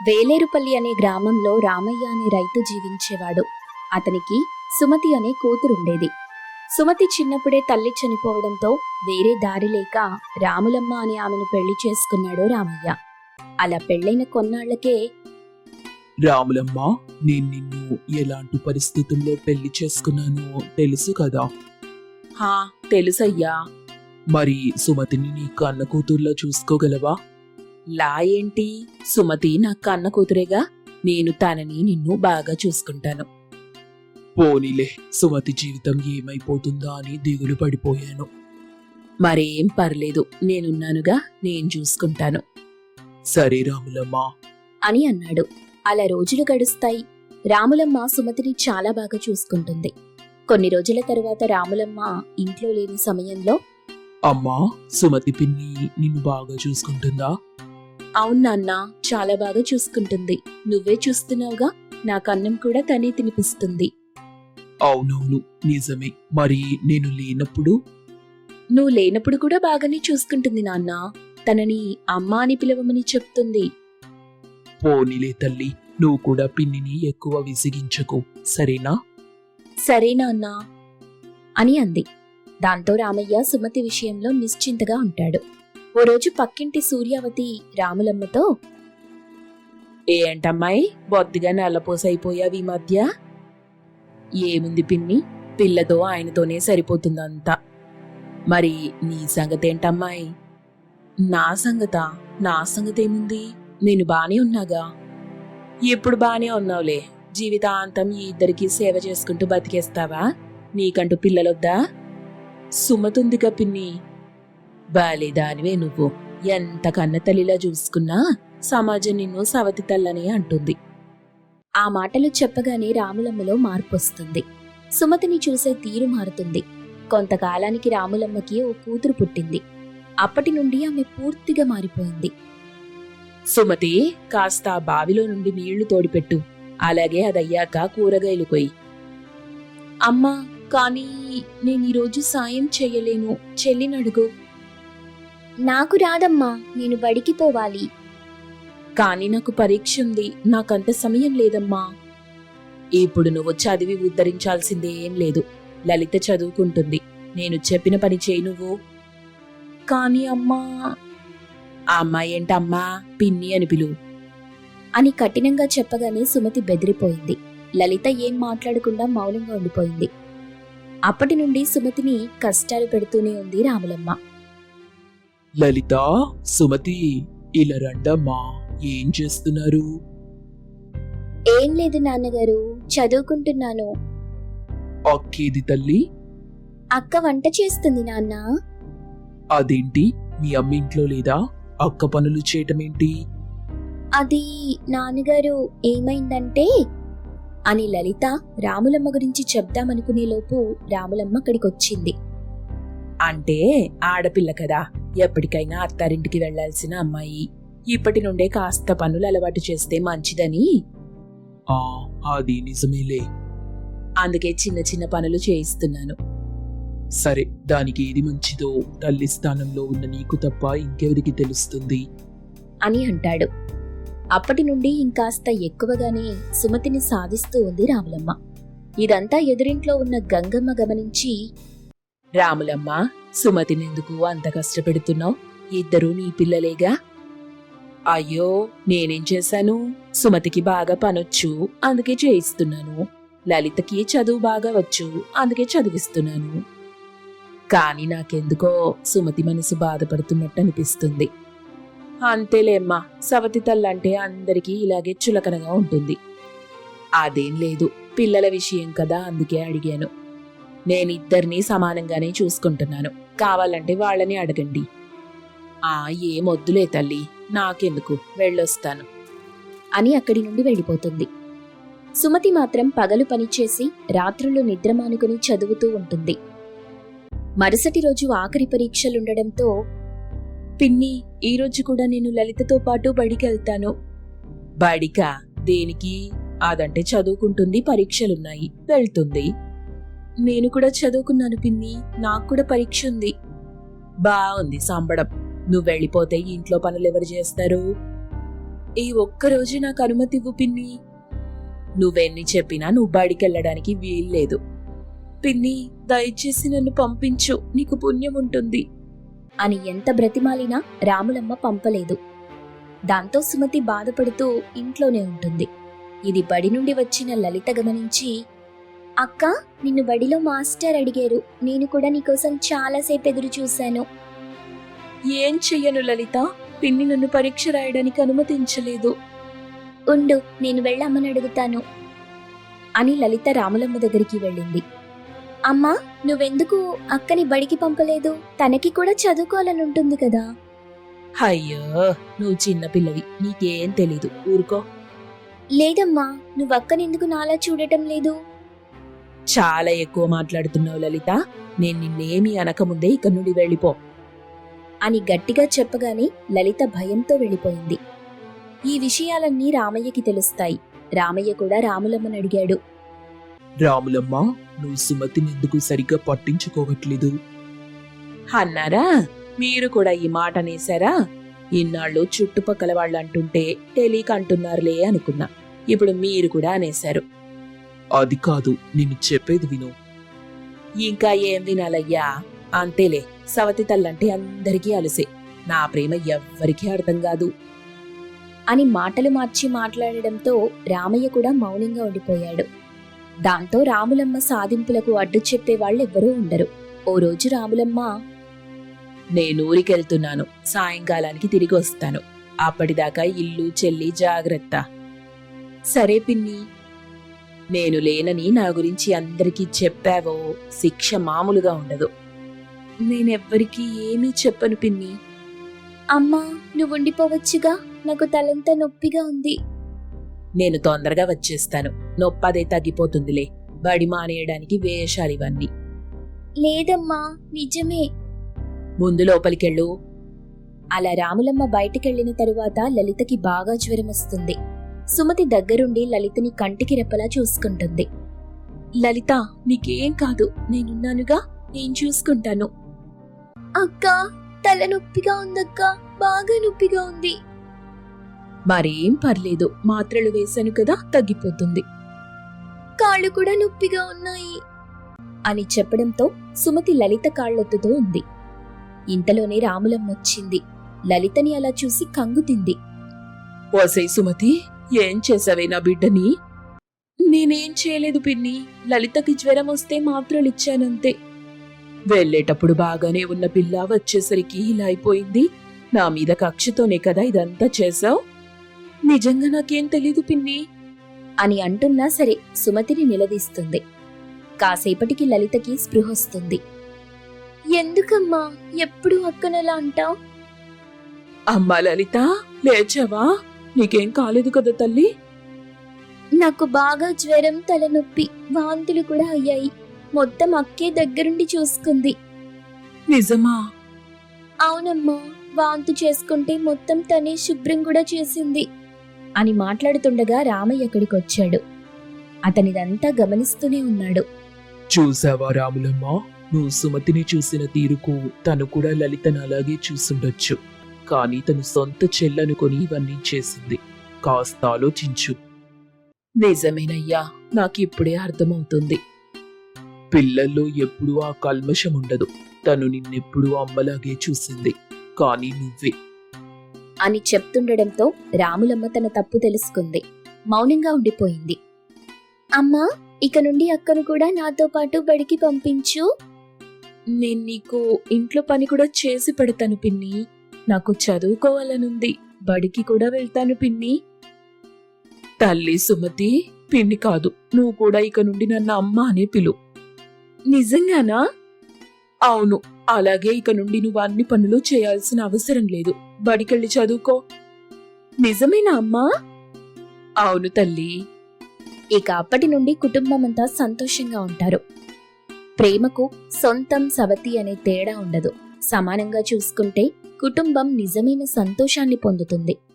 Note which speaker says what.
Speaker 1: వేలేరుపల్లి అనే గ్రామంలో రామయ్య అనే రైతు జీవించేవాడు. అతనికి సుమతి అనే కూతురుండేది. సుమతి చిన్నప్పుడే తల్లి చనిపోవడంతో వేరే దారి లేక రాములమ్మ అనే ఆమెను పెళ్లి చేసుకున్నాడు రామయ్య. అలా పెళ్లైన కొన్నాళ్లకే,
Speaker 2: రాములమ్మ, నేను నిన్ను ఎలాంటి పరిస్థితుల్లో పెళ్లి చేసుకున్నానో తెలుసు కదా.
Speaker 1: హా తెలుసయ్యా.
Speaker 2: మరి సుమతిని నీ కన్న కూతుర్లా చూసుకోగలవా?
Speaker 1: లా ఏంటి? సుమతి నా కన్న కూతురేగా, నేను తనని నిన్ను బాగా చూసుకుంటాను.
Speaker 2: పోనీలే, సుమతి జీవితం ఏమైపోతుందా అని దిగులు పడిపోయాను.
Speaker 1: మరేం పర్లేదు, నేనున్నానుగా, నేను చూసుకుంటాను
Speaker 2: సరే రాములమ్మ
Speaker 1: అని అన్నాడు. అలా రోజులు గడుస్తాయి. రాములమ్మ సుమతిని చాలా బాగా చూసుకుంటుంది. కొన్ని రోజుల తరువాత రాములమ్మ ఇంట్లో లేని సమయంలో,
Speaker 2: అమ్మా, సుమతి పిన్ని నిన్ను బాగా చూసుకుంటుందా?
Speaker 1: అవును నాన్న, చాలా బాగా చూసుకుంటుంది. నువ్వే చూస్తున్నావుగా, నాకు అన్నం కూడా తనే తినిపిస్తుంది.
Speaker 2: అవునవును, నిజమే. మరి నేను లేనప్పుడు?
Speaker 1: నువ్వు లేనప్పుడు కూడా బాగానే చూసుకుంటుంది నాన్న. తనని అమ్మా అని పిలవమని చెప్తుంది.
Speaker 2: పోనీలే తల్లి, నువ్వు కూడా పిన్నిని ఎక్కువ విసిగించకు, సరేనా?
Speaker 1: సరే నాన్న అని అంది. దాంతో రామయ్య సుమతి విషయంలో నిశ్చింతగా ఉంటాడు. ఓ రోజు పక్కింటి సూర్యావతి రాములమ్మతో, ఏంటమ్మాయి, బొత్తిగా నల్లపోసైపోయావి ఈ మధ్య? ఏముంది పిన్ని, పిల్లతో ఆయనతోనే సరిపోతుందంతా. మరి నీ సంగతేంటమ్మాయి? నా సంగతేముంది, నేను బానే ఉన్నాగా. ఎప్పుడు బానే ఉన్నావులే, జీవితాంతం ఈ ఇద్దరికి సేవ చేసుకుంటూ బతికేస్తావా? నీకంటూ పిల్లలొద్దా? సుమతుందిగా పిన్ని. బాలేదానివే నువ్వు, ఎంత కన్న తల్లిలా చూసుకున్నా సమాజం నిన్ను సవతి తల్లని అంటుంది. ఆ మాటలు చెప్పగానే రాములమ్మలో మార్పొస్తుంది. సుమతిని చూసే తీరు మారుతుంది. కొంతకాలానికి రాములమ్మకి ఓ కూతురు పుట్టింది. అప్పటి నుండి ఆమె పూర్తిగా మారిపోయింది. సుమతి, కాస్త ఆ బావిలో నుండి నీళ్లు తోడిపెట్టు, అలాగే అదయ్యాక కూరగాయలు కొయ్యి. అమ్మా, కానీ నేను ఈరోజు సాయం చెయ్యలేను, చెల్లినడుగు. నాకు రాదమ్మా, నేను బడికి పోవాలి. కానీ నాకు పరీక్ష ఉంది, నాకంత సమయం లేదమ్మా. ఇప్పుడు నువ్వు చదివి ఉద్ధరించాల్సిందే ఏం లేదు. లలిత చదువుకుంటుంది, నేను చెప్పిన పని చేయి నువ్వు. కానీ అమ్మా. ఆ అమ్మాయి ఏంటమ్మా, పిన్ని అని పిలువు అని కఠినంగా చెప్పగానే సుమతి బెదిరిపోయింది. లలిత ఏం మాట్లాడకుండా మౌనంగా ఉండిపోయింది. అప్పటి నుండి సుమతిని కష్టాలు పెడుతూనే ఉంది రాములమ్మ.
Speaker 2: లలిత, సుమతి, ఇలా రండమ్మా. ఏం చేస్తున్నారు?
Speaker 1: ఏం లేదు నాన్నగారు, చదువుకుంటున్నాను.
Speaker 2: అక్కేది తల్లి?
Speaker 1: అక్క వంట చేస్తుంది నాన్న.
Speaker 2: అదేంటి, మీ అమ్మ ఇంట్లో లేదా? అక్క పనులు చేయటమేంటి?
Speaker 1: అది నాన్నగారు, ఏమైందంటే అని లలిత రాములమ్మ గురించి చెప్దామనుకునే లోపు రాములమ్మ అక్కడికొచ్చింది. అంటే ఆడపిల్ల కదా, ఎప్పటికైనా అత్తారింటికి వెళ్లాల్సిన అమ్మాయి. ఇప్పటి నుండే కాస్త పనులు అలవాటు చేస్తే మంచిదని.
Speaker 2: అది నిజమేలే.
Speaker 1: అందుకే చిన్న చిన్న పనులు చేయిస్తున్నాను.
Speaker 2: సరే, దానికి ఏది మంచిదో తల్లి స్థానంలో ఉన్న నీకు తప్ప ఇంకెవరికి తెలుస్తుంది
Speaker 1: అని అంటాడు. అప్పటి నుండి ఇంకాస్త ఎక్కువగానే సుమతిని సాధిస్తూ ఉంది రాములమ్మ. ఇదంతా ఎదురింట్లో ఉన్న గంగమ్మ గమనించి, రాములమ్మ, సుమతినెందుకు అంత కష్టపెడుతున్నావు? ఇద్దరూ నీ పిల్లలేగా. అయ్యో, నేనేం చేశాను? సుమతికి బాగా పనొచ్చు, అందుకే చేయిస్తున్నాను. లలితకి చదువు బాగా వచ్చు, అందుకే చదివిస్తున్నాను. కానీ నాకెందుకో సుమతి మనసు బాధపడుతున్నట్టు అనిపిస్తుంది. అంతేలేమ్మా, సవతి తల్లంటే అందరికీ ఇలాగే చులకనగా ఉంటుంది. అదేం లేదు, పిల్లల విషయం కదా, అందుకే అడిగాను. నేనిద్దరినీ సమానంగానే చూసుకుంటున్నాను, కావాలంటే వాళ్ళని అడగండి. ఏమొద్దులే తల్లి, నాకెందుకు, వెళ్ళొస్తాను అని అక్కడి నుండి వెళ్ళిపోతుంది. సుమతి మాత్రం పగలు పనిచేసి రాత్రులు నిద్రమానుకుని చదువుతూ ఉంటుంది. మరుసటి రోజు ఆఖరి పరీక్షలుండడంతో, పిన్ని, ఈరోజు కూడా నేను లలితతో పాటు బడికెళ్తాను. బడికా? దేనికి? అదంటే చదువుకుంటుంది, పరీక్షలున్నాయి, వెళ్తుంది. నేను కూడా చదువుకున్నాను పిన్ని, నాకు కూడా పరీక్ష ఉంది. బాగుంది సంబడం. నువ్వు వెళ్ళిపోతే ఇంట్లో పనులెవరు చేస్తారు? ఈ ఒక్కరోజు నాకు అనుమతి ఇవ్వు పిన్ని. నువ్వెన్ని చెప్పినా నువ్వు బడికెళ్ళడానికి వీల్లేదు. పిన్ని, దయచేసి నన్ను పంపించు, నీకు పుణ్యం ఉంటుంది
Speaker 3: అని ఎంత బ్రతిమాలినా రాములమ్మ పంపలేదు. దాంతో సుమతి బాధపడుతూ ఇంట్లోనే ఉంటుంది. ఇది బడి నుండి వచ్చిన లలిత గమనించి, అక్క, నిన్ను బడిలో మాస్టర్ అడిగారు, నేను కూడా నీకోసం చాలాసేపు ఎదురు చూశాను.
Speaker 1: ఏం చెయ్యను లలిత, పిన్ని నన్ను పరీక్ష రాయడానికి అనుమతించలేదు.
Speaker 3: ఉండు, నేను వెళ్ళమ్మని అడుగుతాను అని లలిత రాములమ్మ దగ్గరికి వెళ్ళింది. అమ్మా, నువ్వెందుకు అక్కని బడికి పంపలేదు? తనకి కూడా చదువుకోవాలనుంటుంది కదా.
Speaker 1: అయ్యో, నువ్వు చిన్నపిల్లవి, నీకేం తెలీదు, ఊరుకో.
Speaker 3: లేదమ్మా, నువ్వక్కనెందుకు నాలా చూడటం లేదు?
Speaker 1: చాలా ఎక్కువ మాట్లాడుతున్నావు లలిత. నేను నిన్నేమీ అనకముందే ఇక్కడి నుండి వెళ్ళిపో
Speaker 3: అని గట్టిగా చెప్పగానే లలిత భయంతో వెళ్ళిపోయింది. ఈ విషయాలన్నీ రామయ్యకి తెలుస్తాయి. రామయ్య కూడా రాములమ్మని అడిగాడు.
Speaker 2: రాములమ్మ, నువ్వు సుమతిని ఎందుకు సరిగ్గా పట్టించుకోవట్లేదు?
Speaker 1: అన్నారా? మీరు కూడా ఈ మాట అనేశారా? ఇన్నాళ్ళు చుట్టుపక్కల వాళ్ళు అంటుంటే తెలియక అంటున్నారులే అనుకున్నా. ఇప్పుడు మీరు కూడా అనేశారు.
Speaker 2: అది కాదు, నేను చెప్పేది విను.
Speaker 1: ఇంకా ఏం వినాలయ్యా? అంతేలే, సవతి తల్లంటే అందరికీ అలసే. నా ప్రేమ ఎవ్వరికీ అర్థం కాదు
Speaker 3: అని మాటలు మార్చి మాట్లాడడంతో రామయ్య కూడా మౌనంగా ఉండిపోయాడు. దాంతో రాములమ్మ సాధింపులకు అడ్డు చెప్పే వాళ్ళెవ్వరూ ఉండరు. ఓ రోజు రాములమ్మ,
Speaker 1: నేను ఊరికెళ్తున్నాను, సాయంకాలానికి తిరిగి వస్తాను. అప్పటిదాకా ఇల్లు చెల్లి జాగ్రత్త. సరే పిన్ని. నేను లేనని నా గురించి అందరికీ చెప్పావో శిక్ష మామూలుగా ఉండదు. నేనెవ్వరికీ ఏమీ చెప్పను పిన్ని.
Speaker 3: అమ్మా, నువ్వుండిపోవచ్చుగా, నాకు తలంతా నొప్పిగా ఉంది.
Speaker 1: నేను తొందరగా వచ్చేస్తాను, నొప్పదే తగ్గిపోతుందిలే. బడి మానేయడానికి వేషాలివన్నీ.
Speaker 3: లేదమ్మా, నిజమే.
Speaker 1: ముందు లోపలికెళ్ళు.
Speaker 3: అలా రాములమ్మ బయటికెళ్లిన తరువాత లలితకి బాగా జ్వరం వస్తుంది. సుమతి దగ్గరుండి లలితని కంటికి రెప్పలా చూసుకుంటుంది.
Speaker 1: లలిత, నీకేం కాదు, నేనున్నానుగా, నేను చూసుకుంటాను.
Speaker 3: అక్క, తల నొప్పిగా ఉందక్క, బాగా నొప్పిగా ఉంది.
Speaker 1: మరేం పర్లేదు, మాత్రలు వేశాను కదా, తగ్గిపోతుంది.
Speaker 3: కాళ్ళు కూడా నొప్పిగా ఉన్నాయి అని చెప్పడంతో సుమతి లలిత కాళ్ళొత్తుతూ ఉంది. ఇంతలోనే రాములమ్మ వచ్చింది. లలితని అలా చూసి కంగుతింది.
Speaker 1: ఓసై సుమతి, ఏం చేసావే నా బిడ్డని? నేనేం చేయలేదు పిన్ని, లలితకి జ్వరం వస్తే మాత్రలిచ్చానంతే. వెళ్ళేటప్పుడు బాగానే ఉన్న పిల్ల వచ్చేసరికి ఇలా అయిపోయింది. నా మీద కక్షతోనే కదా ఇదంతా చేశావు? నిజంగా నాకేం తెలీదు పిన్ని
Speaker 3: అని అంటున్నా సరే సుమతిని నిలదీస్తుంది. కాసేపటికి లలితకి స్పృహొస్తుంది. ఎందుకమ్మా ఎప్పుడు అక్కనలా అంటావ్?
Speaker 1: అమ్మా లలిత, లేచావా? నీకేం కాలేదు కదా తల్లి?
Speaker 3: నాకు బాగా జ్వరం, తలనొప్పి, వాంతులు కూడా అయ్యాయి. మొత్తం అక్కే దగ్గరుండి చూసుకుంది.
Speaker 1: నిజమా?
Speaker 3: అవునమ్మా, వాంతు చేసుకుంటే మొత్తం తనే శుభ్రం కూడా చేసింది అని మాట్లాడుతుండగా రామయ్య అక్కడికి వచ్చాడు. అతనిదంతా గమనిస్తూనే ఉన్నాడు.
Speaker 2: చూసావా రాములమ్మ, నువ్వు సుమతిని చూసిన తీరుకు తను కూడా లలితను అలాగే చూసుండొచ్చు. కానీ తను సొంత చెల్లనుకొని ఇవన్నీ చేసింది. కాస్త ఆలోచించు.
Speaker 1: నిజమేనయ్యా, నాకిప్పుడే అర్థమవుతుంది.
Speaker 2: పిల్లల్లో ఎప్పుడూ ఆ కల్మషం ఉండదు. తను నిన్నెప్పుడూ అమ్మలాగే చూసింది, కానీ నువ్వే.
Speaker 3: అని చెప్తుండడంతో రాములమ్మ తన తప్పు తెలుసుకుంది. మౌనంగా ఉండిపోయింది. అమ్మా, ఇక నుండి అక్కను కూడా నాతో పాటు బడికి పంపించు.
Speaker 1: నేను నీకు ఇంట్లో పని కూడా చేసి పెడతాను పిన్ని. నాకు చదువుకోవాలనుంది, బడికి కూడా వెళ్తాను పిన్ని. తల్లి సుమతి, పిన్ని కాదు, నువ్వు కూడా ఇక నుండి నన్ను అమ్మ అనే పిలు. నిజంగానా? అవును, అలాగే ఇక నుండి నువ్వు అన్ని పనులు చేయాల్సిన అవసరం లేదు. బడికెళ్ళి చదువుకో. నిజమేనా అమ్మా? అవును తల్లి.
Speaker 3: ఇక అప్పటి నుండి కుటుంబమంతా సంతోషంగా ఉంటారు. ప్రేమకు సొంతం సవతి అనే తేడా ఉండదు. సమానంగా చూసుకుంటే కుటుంబం నిజమైన సంతోషాన్ని పొందుతుంది.